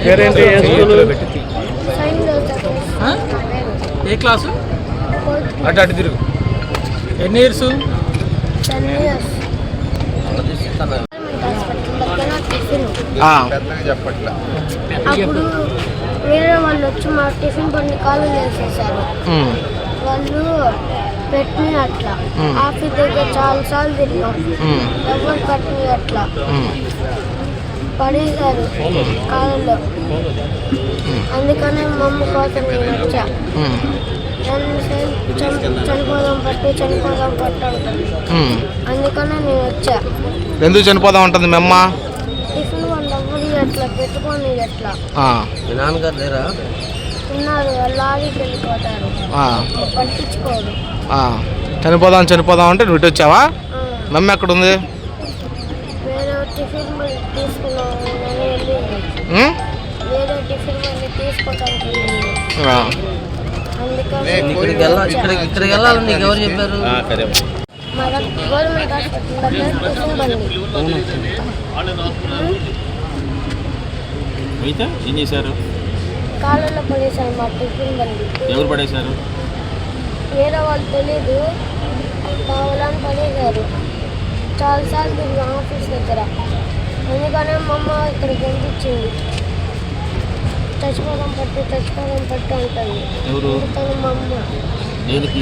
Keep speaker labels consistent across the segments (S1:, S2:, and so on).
S1: పేరేంటి?
S2: ఏ క్లాసు?
S1: అటు అటు తిరుగు.
S2: ఎన్ని ఇయర్స్?
S3: అప్పుడు వేరే వాళ్ళు వచ్చి మా టిఫిన్ బండి కాలు వేసేసారు. వాళ్ళు పెట్టిన అట్లా ఆఫీస్ దగ్గర చాలా సార్లు తిరిగాం, ఎవరు పెట్టిన అట్లా పడేశారు కాలంలో. అందుకనే మా అమ్మ కోసం నేను వచ్చా. చనిపోదాం పట్టు అంటుంది. అందుకనే నేను వచ్చా.
S4: ఎందుకు చనిపోదాం ఉంటుంది మీ అమ్మ?
S3: టిఫిన్ వాళ్ళు ఎవరు ఎట్లా పెట్టుకొని ఎట్లా
S2: నాన్నగారు లేరా?
S3: ఉన్నారు, వాళ్ళు ఆడికి వెళ్ళిపోతారు, పట్టించుకోరు.
S4: చనిపోదాం అంటే నువ్వు ఇటు వచ్చావా? మమ్మ ఎక్కడ ఉంది?
S3: వేరే టిఫిన్ బండి తీసుకున్నాను, వేరే టిఫిన్ బండి తీసుకోవడానికి.
S2: ఇక్కడికి వెళ్ళాలని నీకు ఎవరు చెప్పారు?
S3: మన గవర్నమెంట్ హాస్పిటల్ దగ్గర టిఫిన్ బండి
S1: ఏం చేశారు?
S3: కాలంలో పడేశారు మా టిఫిన్ బండి.
S1: ఎవరు పడేశారు?
S3: వేరే వాళ్ళు తెలీదు, కావాలని పడేశారు. చాలాసార్లు తిరిగి ఆఫీస్ దగ్గర. అందుకనే మా అమ్మ ఇక్కడికి పంపించింది. చచ్చిపోదాం పట్టు అంటుంది.
S1: ఎవరు?
S3: మా అమ్మ.
S1: దేనికి?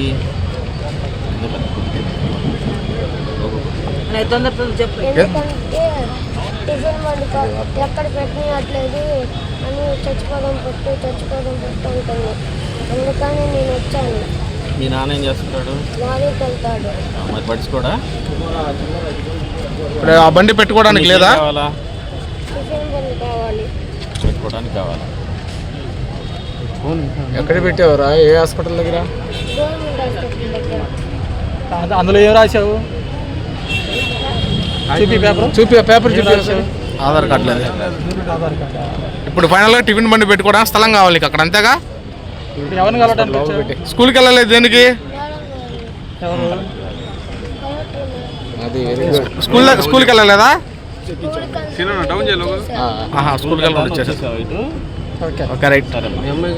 S3: ఎందుకంటే టిఫిన్ బండి ఎక్కడ పెట్టినట్లేదు అని చచ్చిపోదాం పట్టు అంటుంది. అందుకని నేను వచ్చాను.
S1: మీ నాన్న ఏం చేస్తున్నాడు?
S3: లారీకి వెళ్తాడు.
S1: మరి పడుచుకోడా?
S4: ఇప్పుడు ఆ బండి పెట్టుకోవడానికి లేదా?
S3: టిఫిన్ బండి కావాలి.
S1: పెట్టుకోవడానికి కావాలా?
S4: ఎక్కడ పెట్టావురా? ఏ హాస్పిటల్ దగ్గర?
S3: గవర్నమెంట్ హాస్పిటల్ దగ్గర.
S2: అందులో ఏం రాశావు?
S4: చూపి పేపర్ చూపి. ఆధార్ కార్డు లేదు. ఇప్పుడు ఫైనల్గా టిఫిన్ బండి పెట్టుకోవడానికి స్థలం కావాలి నీకు అక్కడ, అంతేగా?
S2: ఎవరిని కలవడానికి?
S4: స్కూల్కి వెళ్ళలేదు దేనికి? స్కూల్కి వెళ్ళలేదా?
S3: స్కూల్కి
S4: స్కూల్కి వెళ్ళి వచ్చేసా. Okay right.